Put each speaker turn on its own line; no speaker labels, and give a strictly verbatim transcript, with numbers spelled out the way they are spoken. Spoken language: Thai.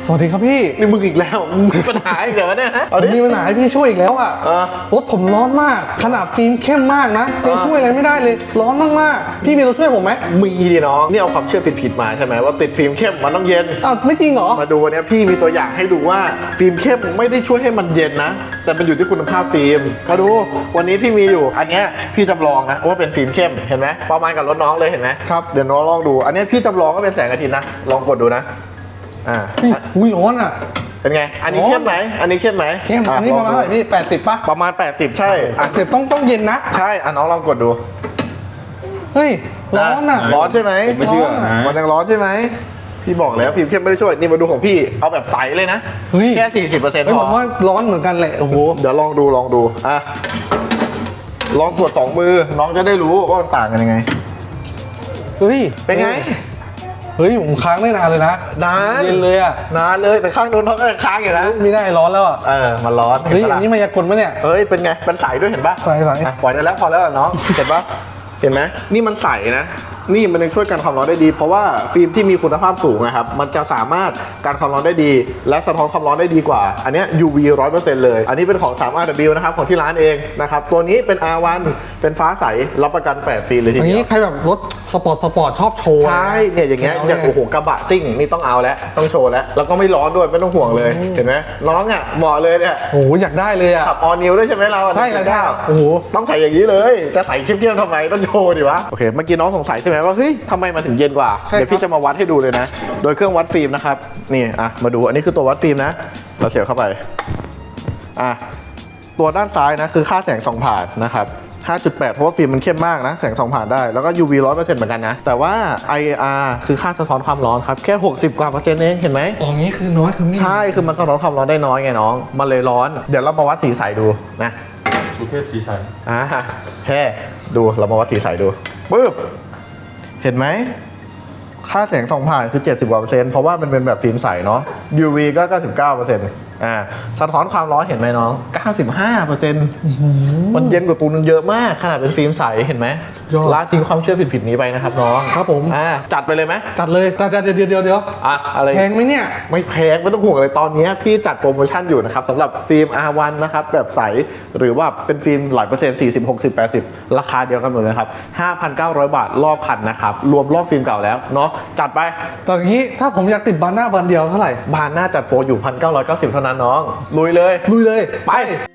สวัสดีครับพี่
นี่มึงอีกแล้วมึงมีปัญหาอีกแล้วเนี่ยฮะ
ผมมีปัญหาให้พี่ช่วยอีกแล้วอ่ะรถผมร้อนมากขนาดฟิล์มเข้มมากนะยังช่วยอะไรไม่ได้เลยร้อนมากๆพี่มีตัวช่วยผมไหม
มีดิน้องนี่เอาความเชื่อผิดๆมาใช่ไหมว่าติดฟิล์มเข้มมันต้องเย็น
อ้าวไม่จริงเหรอ
มาดูวันนี้พี่มีตัวอย่างให้ดูว่าฟิล์มเข้มไม่ได้ช่วยให้มันเย็นนะแต่มันอยู่ที่คุณภาพฟิล์มมาดูวันนี้พี่มีอยู่อันนี้พี่จำลองนะว่าเป็นฟิล์มเข้มเห็นไหมประมาณกับรถน้องเลยเห็นไหมครับเดี๋ยวน้องลองดูอันนี้พี่จำลองก็เป็นแสงอาทิตย์นะลองกดดูนะอ่า
อุ้ยร้อนอ่ะ
เป็นไงอันนี้เข้มไหมอันนี้เข้มไหม
เข้มอันนี้ประมาณเท่าไหร่พี่แปดสิบป่ะ
ประมาณแปดสิบใช่
แปดสิบต้องต้องเย็นนะ
ใช่อ่ะน้องลองกดดู
เฮ้ยร้อนอ่ะ
ร้อนใช่ไหม
ไม่เชื่อ
มันยังร้อนใช่ไหมพี่บอกแล้วฟิล์มเข้มไม่ได้ช่วยนี่มาดูของพี่เอาแบบใสเลยนะแค่สี่สิบเปอร์เซ็นต์พอ
ผมว่าร้อนเหมือนกันแหละโอ้โห
เดี๋ยวลองดูลองดูอ่ะลองกดสองมือน้องจะได้รู้ว่ามันต่างกันยังไง
เฮ้ย
เป็นไง
เฮ้ยผมค้างไม่นานเลยนะ
นาน
เย็นเลยอ่ะ
นานเลยแต่ข้างโน้นเขาก็ยังค้างอยู่นะ
ไม่ได้ร้อนแล้วอ่ะ
เออมันร้อน
เฮ้ยอันนี้มายากลมั้ยเนี่ย
เฮ้ยเป็นไงเป็นใสด้วยเห็นปะ
ใสใส
ปล่อยได้แล้วพอแล้วน้องเห็นปะเห็นไหมนี่มันใสนะนี่มันยังช่วยกันความร้อนได้ดีเพราะว่าฟิล์มที่มีคุณภาพสูงนะครับมันจะสามารถกันความร้อนได้ดีและสะท้อนความร้อนได้ดีกว่าอันนี้ ยู วี ร้อยเปอร์เซ็นต์ เลยอันนี้เป็นของ ทรี อาร์ ดับเบิลยู นะครับของที่ร้านเองนะครับตัวนี้เป็น อาร์ วัน เป็นฟ้าใสรับประกันแปดปีเลยทีเดียว
อันนี้ใครแบบรถสปอร์ตสปอร์ตชอบโชว์
ใช่เนี่ยอย่างเงี้ยอย่างโอ้โหกระบะซิ่งนี่ต้องเอาแล้วต้องโชว์แล้วแล้วก็ไม่ร้อนด้วยไม่ต้องห่วงเลยเห็นไหมน้องอ่ะเหมาะเลยเนี่ย
โอ้โหอยากได้เลยอ่ะ
ขับออนิวด้วยใช่ไหมเรา
ใช่แล้วใช่โอ้โห
ต้องใส่อย่างนี้เลยจะใส่เข้มๆทำไมต้องโชว์ดิวะโอเคเมื่อกี้น้องสงสัยใช่ไหมว่าเฮ้ยทำไมมันถึงเย็นกว่าเดี๋ยวพี่จะมาวัดให้ดูเลยนะโดยเครื่องวัดฟิล์มนะครับนี่อ่ะมาดูอันนี้คือตัววัดฟิล์มนะเราเสียบเข้าไปอ่ะตัวด้านซ้ายนะคือค่าแสงส่องผ่านนะครับ ห้าจุดแปด เพราะว่าฟิล์มมันเข้มมากนะแสงส่องผ่านได้แล้วก็ ยู วี ร้อยเปอร์เซ็นต์ เหมือนกันนะแต่ว่า ไอ อาร์ คือค่าสะท้อนความร้อนครับแค่หกสิบกว่าเปอร์เซ็นต์เองเห็นไหม
อ๋องี้คือน้อยคือ
ใช่คือมันสะท้อนความร้อนได้น้อยไงน้องมันเลยร้อนเดี๋ยวเรามาวัดสีใสดูนะ
สุเทพสีใส
อ่าแค่ดูเรามาวัดสีใสดูปึ๊บเห็นไหมค่าแสงส่องผ่านคือเจ็ดสิบกว่าเปอร์เซ็นต์เพราะว่ามันเป็นแบบฟิล์มใสเนาะ ยู วี ก็ เก้าสิบเก้าเปอร์เซ็นต์ อ่าสะท้อนความร้อนเห็นไหมน้อง เก้าสิบห้าเปอร์เซ็นต์ มันเย็นกว่าตูนเยอะมากขนาดเป็นฟิล์มใสเห็นไหมละทิ้งความเชื่อผิดๆนี้ไปนะครับน้อง
ครับผม
อ่าจัดไปเลยไหม
จัดเลยแต่เดี๋ยวเดี๋ยวเดี๋ยวเดี๋ยว
อ่ะอะไร
แพงไหมเนี่ย
ไม่แพงไม่ต้องห่วงเลยตอนนี้พี่จัดโปรโมชั่นอยู่นะครับสำหรับฟิล์ม อาร์ วัน นะครับแบบใสหรือว่าเป็นฟิล์มหลายเปอร์เซ็นต์สี่สิบ หกสิบ แปดสิบราคาเดียวกันหมดเลยครับ ห้าพันเก้าร้อย บาทรอบคันนะครับรวมรอบฟิล์มเก่าแล้วเนาะจัดไป
ตอนนี้ถ้าผมอยากติดบานหน้าบานเดียวเท่าไหร่
บานหน้าจัดโปรอยู่ หนึ่งพันเก้าร้อยเก้าสิบ เท่านั้นน้องลุยเลย
ลุยเลย
ไป